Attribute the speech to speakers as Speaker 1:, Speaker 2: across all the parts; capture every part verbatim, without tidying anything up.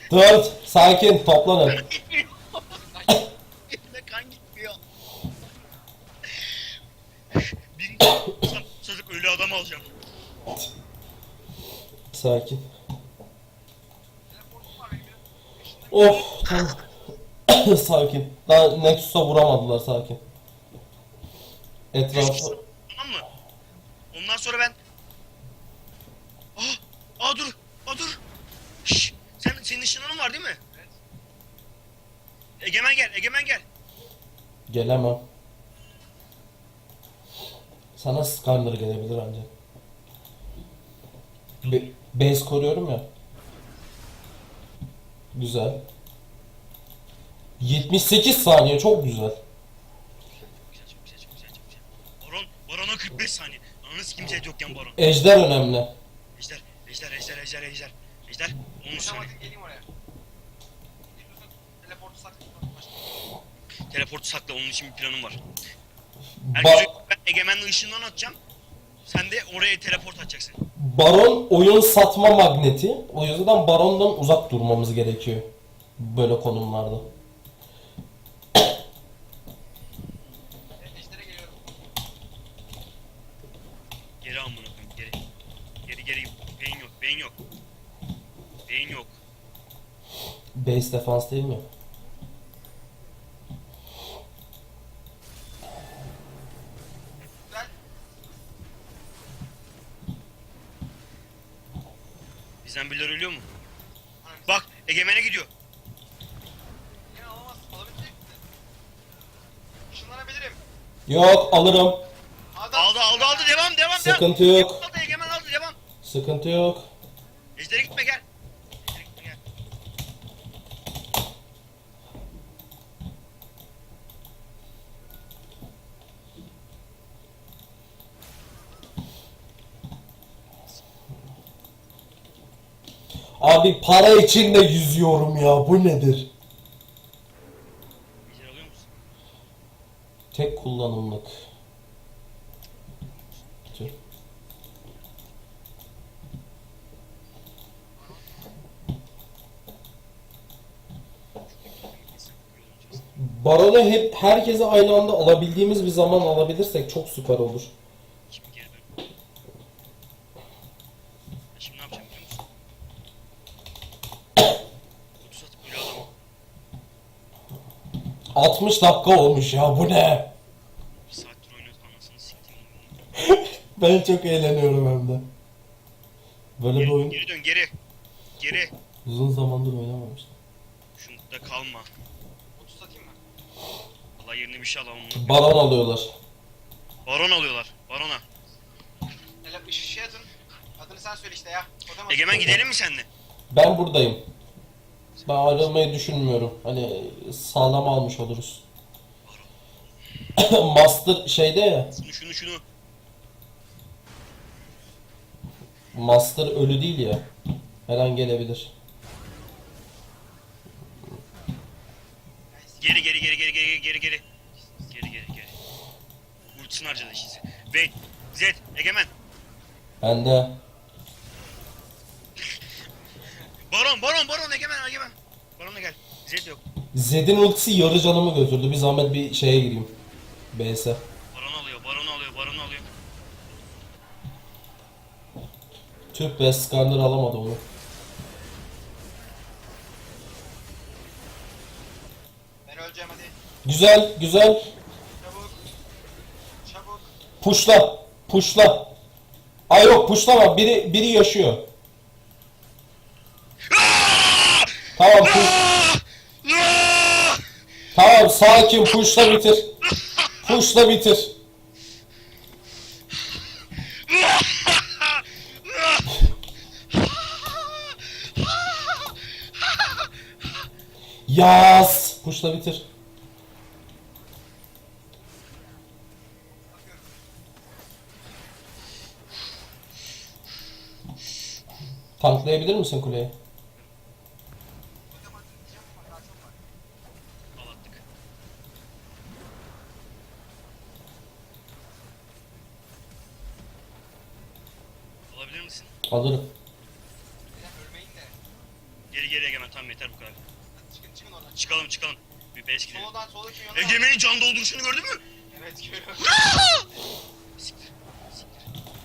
Speaker 1: Dört. Sakin. Toplanın.
Speaker 2: Elimde kan gitmiyor. Birinci çocuk ölü adam alacağım.
Speaker 1: Sakin. Of. Tamam. Sakin. Daha Nexus'a vuramadılar, sakin. Etrafı...
Speaker 2: Tamam mı? Ondan sonra ben... Aa! Aa dur! Aa dur! Şşş! Sen, senin ışınlanın var değil mi? Evet. Egemen gel, Egemen gel.
Speaker 1: Gelemem. Sana Skarner gelebilir ancak. Be base koruyorum ya. Güzel. yetmiş sekiz saniye, çok güzel.
Speaker 2: Çok güzel, çok güzel, çok güzel, çok güzel. Baron, Baron'a kırk beş saniye. Ananız kimse yokken Baron.
Speaker 1: Ejder önemli.
Speaker 2: Ejder, Ejder, Ejder, Ejder, Ejder. Ejder, on üç saniye.
Speaker 3: Otomatik geleyim oraya. Teleportu sakla.
Speaker 2: Teleportu sakla, onun için bir planım var.
Speaker 1: Ba
Speaker 2: Herkese ben Egemen'le ışından atacağım. Sen de oraya teleport atacaksın.
Speaker 1: Baron oyun satma magneti. O yüzden Baron'dan uzak durmamız gerekiyor. Böyle konumlarda.
Speaker 3: Ejder'e geliyorum.
Speaker 2: Geri amına koyayım, geri. Geri geri. Beyin yok, beyin yok. Beyin yok.
Speaker 1: Base defans değil mi?
Speaker 3: Güzel.
Speaker 2: Bizden birileri ölüyor mu? Bak, Egemen'e gidiyor.
Speaker 3: Yine alamazsın. Alabilecek misin? Işınlanabilirim.
Speaker 1: Yok, alırım.
Speaker 3: Adam.
Speaker 2: Aldı, aldı, aldı. Devam, devam,
Speaker 1: Sıkıntı
Speaker 2: devam.
Speaker 1: yok.
Speaker 2: Aldı, Egemen aldı, devam.
Speaker 1: Sıkıntı yok.
Speaker 2: Ejder'e gitme, gel. Ejder'e gitme, gel.
Speaker 1: Abi para için de yüzüyorum ya. Bu nedir?
Speaker 2: Ejder alıyor musun?
Speaker 1: Tek kullanımlık. Tüh. Baron'u hep herkese aynı anda alabildiğimiz bir zaman alabilirsek çok süper olur.
Speaker 2: Şimdi geri dön. Ben şimdi ne yapacağım biliyor musun? otuz atıp ölü adamı.
Speaker 1: altmış dakika olmuş ya, bu ne?
Speaker 2: Bir saattir oynuyoruz, anasını siktim.
Speaker 1: Ben çok eğleniyorum hem de. Böyle bir
Speaker 2: Geri,
Speaker 1: oyun
Speaker 2: geri dön, geri. Geri.
Speaker 1: uzun zamandır oynamamıştım.
Speaker 2: Şunda kalma.
Speaker 3: otuz atayım mı?
Speaker 2: Allah yerine bir şey alalım.
Speaker 1: Baron alıyorlar.
Speaker 2: Baron alıyorlar. Barona.
Speaker 3: Hele bir şey atın. Adını sen söyle işte ya. Otomatik.
Speaker 2: Egemen gidelim mi seninle?
Speaker 1: Ben buradayım. Ben ayrılmayı düşünmüyorum. Hani sağlam almış oluruz. Master şeyde ya.
Speaker 2: Şunu şunu şunu.
Speaker 1: Master ölü değil ya. Her an gelebilir.
Speaker 2: Geri geri geri geri geri geri geri. Geri geri geri. Ultisini harcadı işte. Vayne. Zed. Egemen.
Speaker 1: Ben de
Speaker 2: Baron Baron Baron Egemen Egemen. Baron'a gel. Zed yok.
Speaker 1: Zed'in ultisi yarı canımı götürdü. Bir zahmet bir şeye gireyim. B S.
Speaker 2: Baron alıyor. Baron alıyor. Baron alıyor.
Speaker 1: Tüh be, Skarner alamadı onu.
Speaker 3: Ben öleceğim hadi.
Speaker 1: Güzel, güzel.
Speaker 3: Çabuk. Çabuk.
Speaker 1: Puşla, puşla. Ay yok, puşlama. Biri biri yaşıyor. Tamam, puş. Tamam, sakin, puşla bitir. Puşla bitir. Yaz. Puşla bitir. Tanklayabilir misin kuleyi?
Speaker 3: Otomatik diyeceğim ama daha çok var.
Speaker 2: Alattık. Alabilir misin?
Speaker 1: Alırım.
Speaker 3: Neden ölmeyin de.
Speaker 2: Geri geri Egemen, tamam yeter bu kadar.
Speaker 3: Hadi çıkın çıkın oradan.
Speaker 2: Çıkalım çıkalım. Bir base gidelim.
Speaker 3: Soldan soldaki yönde var.
Speaker 2: Egemen'in can dolduruşunu gördün mü?
Speaker 3: Evet görüyorum.
Speaker 2: Siktir. Siktir.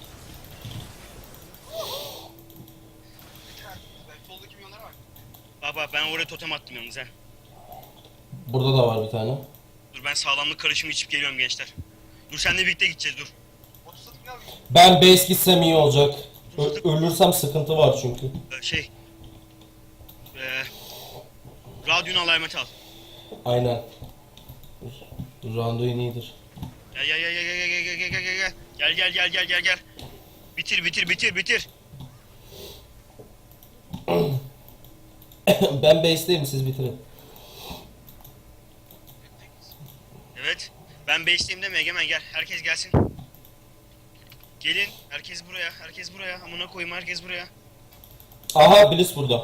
Speaker 3: Soldaki yönlere bak.
Speaker 2: Bak bak, ben oraya totem attım yalnız ha.
Speaker 1: Burada da var bir tane.
Speaker 2: Dur ben sağlamlık karışımı içip geliyorum gençler. Dur seninle birlikte gideceğiz dur.
Speaker 3: otuz satın alayım.
Speaker 1: Ben base gitsem iyi olacak. Ö- ölürsem sıkıntı var çünkü.
Speaker 2: Ee, şey. Ee, radyonu alarmeti al.
Speaker 1: Aynen. Randuin iyidir.
Speaker 2: Gel gel gel gel gel gel gel gel gel gel gel gel gel gel gel gel. Bitir bitir bitir bitir.
Speaker 1: Ben base'deyim, siz bitirin.
Speaker 2: Evet. Ben base'liyim deme Egemen, gel. Herkes gelsin. Gelin. Herkes buraya. Herkes buraya. Amına koyayım, herkes buraya.
Speaker 1: Aha, Bliss burada.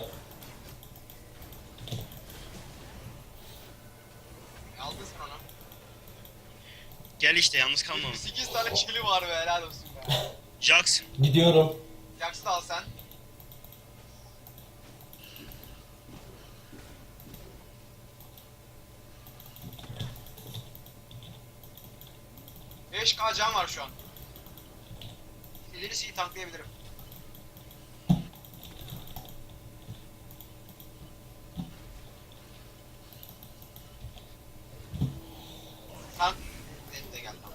Speaker 3: Aldın sen onu.
Speaker 2: Gel işte, yalnız kalma.
Speaker 3: sekiz tane kili var be, helal olsun be.
Speaker 2: Jax.
Speaker 1: Gidiyorum.
Speaker 3: Jax'ı da al sen. beş K can var şu an. İleri şeyi tanklayabilirim. Tank. Benim de gel tamam.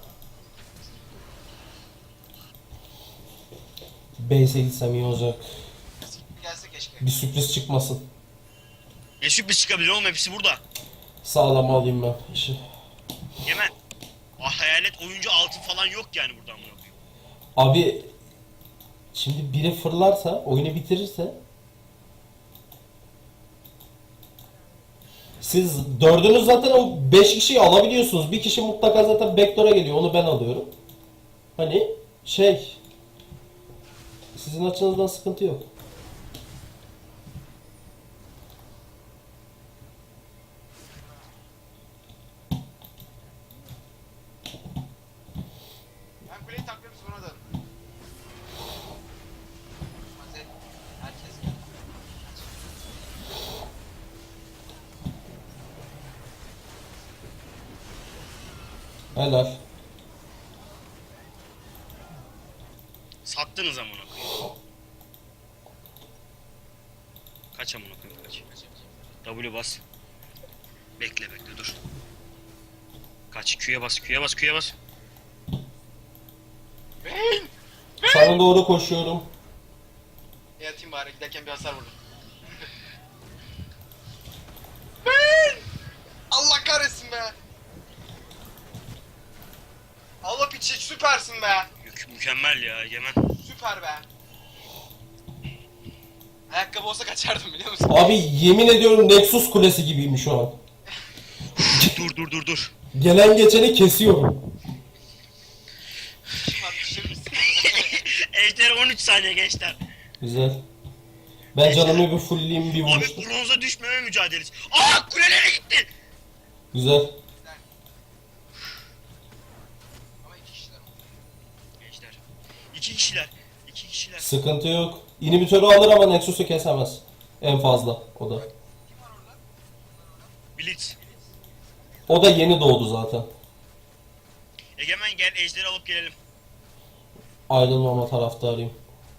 Speaker 1: Base'e gitsem iyi olacak.
Speaker 3: Gelse keşke.
Speaker 1: Bir sürpriz çıkmasın.
Speaker 2: Ne sürpriz çıkabilir oğlum, hepsi burada.
Speaker 1: Sağlam alayım ben işi.
Speaker 2: Egemen. Ah, hayalet oyuncu altın falan yok yani burada amına koyayım.
Speaker 1: Abi şimdi biri fırlarsa, oyunu bitirirse, siz dördünüz zaten o beş kişiyi alabiliyorsunuz. Bir kişi mutlaka zaten backdoor'a geliyor. Onu ben alıyorum. Hani şey, sizin açınızdan sıkıntı yok.
Speaker 3: Ben kuleyi tanklarım sonra da. Hadi herkes gel.
Speaker 1: Helal.
Speaker 2: Sattınız amına koyayım. Kaç amına koyayım, kaç. W bas. Bekle bekle dur. Kaç, Q'ya bas, Q'ya bas, Q'ya bas.
Speaker 3: Beyin!
Speaker 1: Sana doğru koşuyorum.
Speaker 3: E atayım bari, giderken bir hasar vurdum. Beyin! Allah kahretsin be! Allah piçi, süpersin be!
Speaker 2: Mü- mükemmel ya Egemen.
Speaker 3: Süper be! Ayakkabı olsa kaçardım biliyor musun?
Speaker 1: Abi yemin ediyorum Nexus kulesi gibiyim şu an.
Speaker 2: dur dur dur dur.
Speaker 1: Gelen geçeni kesiyorum.
Speaker 3: Kim var, düşürür müsün?
Speaker 2: Ejder on üç saniye gençler.
Speaker 1: Güzel. Ben canımı bir fullleyeyim, bir
Speaker 2: Abi
Speaker 1: vuruştum.
Speaker 2: bronza düşmeme mücadelesi. Aa, kulelere gitti.
Speaker 1: Güzel.
Speaker 3: Ama iki kişiler oldu.
Speaker 2: Gençler. İki kişiler. İki kişiler.
Speaker 1: Sıkıntı yok. İnhibitörü alır ama Nexus'u kesemez. En fazla o da.
Speaker 3: Kim var orada?
Speaker 2: Blitz.
Speaker 1: O da yeni doğdu zaten.
Speaker 2: Egemen gel, ejderi alıp gelelim.
Speaker 1: Ayrılmama taraftarıyım.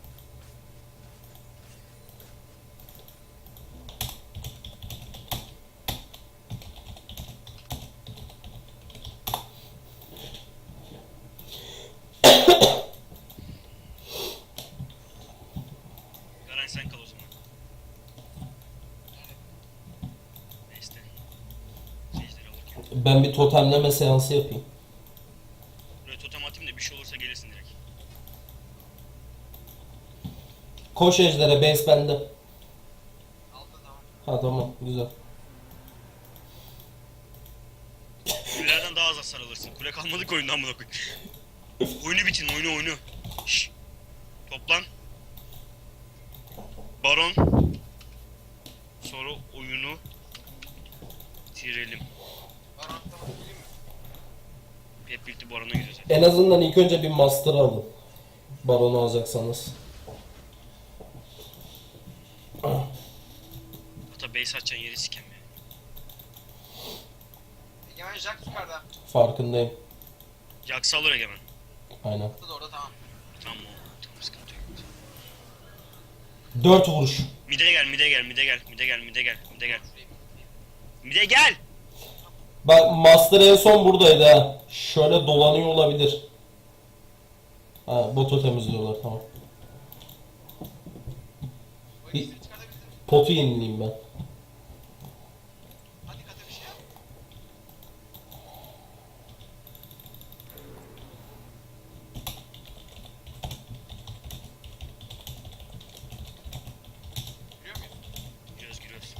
Speaker 2: Garan sen kal o zaman. Neyse. Ejderi alırken.
Speaker 1: Ben bir totemleme seansı yapayım.
Speaker 2: Buraya totem atayım da bir şey olursa gelirsin direkt.
Speaker 1: Koş ejdere, base bende.
Speaker 3: Altta tamam.
Speaker 1: Ha tamam, güzel.
Speaker 2: Kulelerden daha az hasar alırsın. Kule kalmadı ki oyundan buna koy. Oyunu bitirin, oyunu oyunu. Şşş. Toplan. Baron. Sonra oyunu bitirelim.
Speaker 3: Var altta mı? Geleyim mi?
Speaker 2: Hep birlikte Baron'a gidiyoruz.
Speaker 1: En azından ilk önce bir master alın. Baron'u alacaksanız.
Speaker 2: base açan yeri sikem ya.
Speaker 3: Egemen Jack yukarıda.
Speaker 1: Farkındayım.
Speaker 2: Yaksa alır Egemen.
Speaker 1: Aynen.
Speaker 3: Orada da orada tamam.
Speaker 2: Tamam o. Tamam sıkıntı yok.
Speaker 1: Dört vuruş.
Speaker 2: Mide gel mide gel mide gel mide gel mide gel mide gel. Mide gel.
Speaker 1: Bak Master en son buradaydı ha. Şöyle dolanıyor olabilir. Ha botu temizliyorlar tamam.
Speaker 3: Bu
Speaker 1: Bir-
Speaker 3: ikisini çıkartabilir miyim?
Speaker 1: Potu yenileyim ben.
Speaker 3: Hadi kata bir şey yap. Giriyor muyuz?
Speaker 2: Giriyoruz giriyoruz.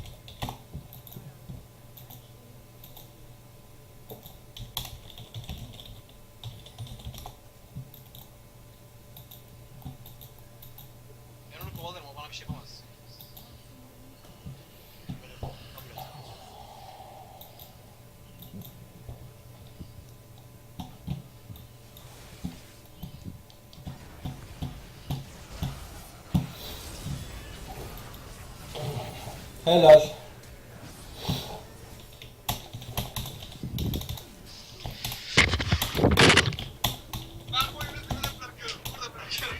Speaker 3: Ben onu kovalarım, o bana bir şey yapamaz. Böyle kabul et.
Speaker 1: Helal.
Speaker 3: Ben bu oyunu burada bırakıyorum, burada bırakıyorum.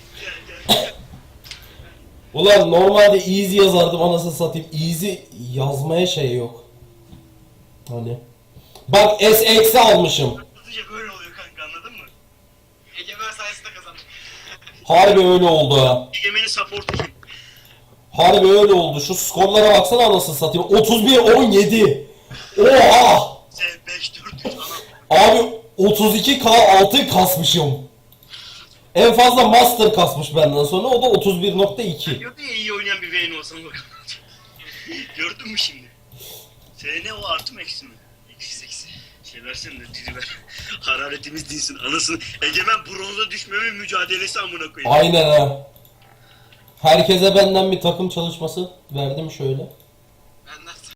Speaker 1: Ulan normalde easy yazardım anasını satayım. Easy yazmaya şey yok. Hani. Bak S eksi almışım.
Speaker 2: Hızlıca böyle oluyor kanka anladın mı?
Speaker 3: Egemen sayesinde kazandım.
Speaker 1: Harbi öyle oldu ha.
Speaker 2: Egemen'in supportu kim?
Speaker 1: Harbi öyle oldu. Şu skorlara baksana anasını satayım. otuz bir on yedi. Oha!
Speaker 2: Sen beş dört üç ana.
Speaker 1: Abi otuz iki K altı kasmışım. En fazla Master kasmış benden sonra. O da otuz bir nokta iki.
Speaker 2: Diyordun ya iyi oynayan bir Vayne olsan bakalım. Gördün mü şimdi? Senin ne o artı mı eksi mi? Eksi eksi. Şey versene de diri ver. Hararetimiz dinsin anasını. Egemen bronza düşmeme mücadelesi amına koyayım.
Speaker 1: Aynen ha. Herkese benden bir takım çalışması verdim şöyle.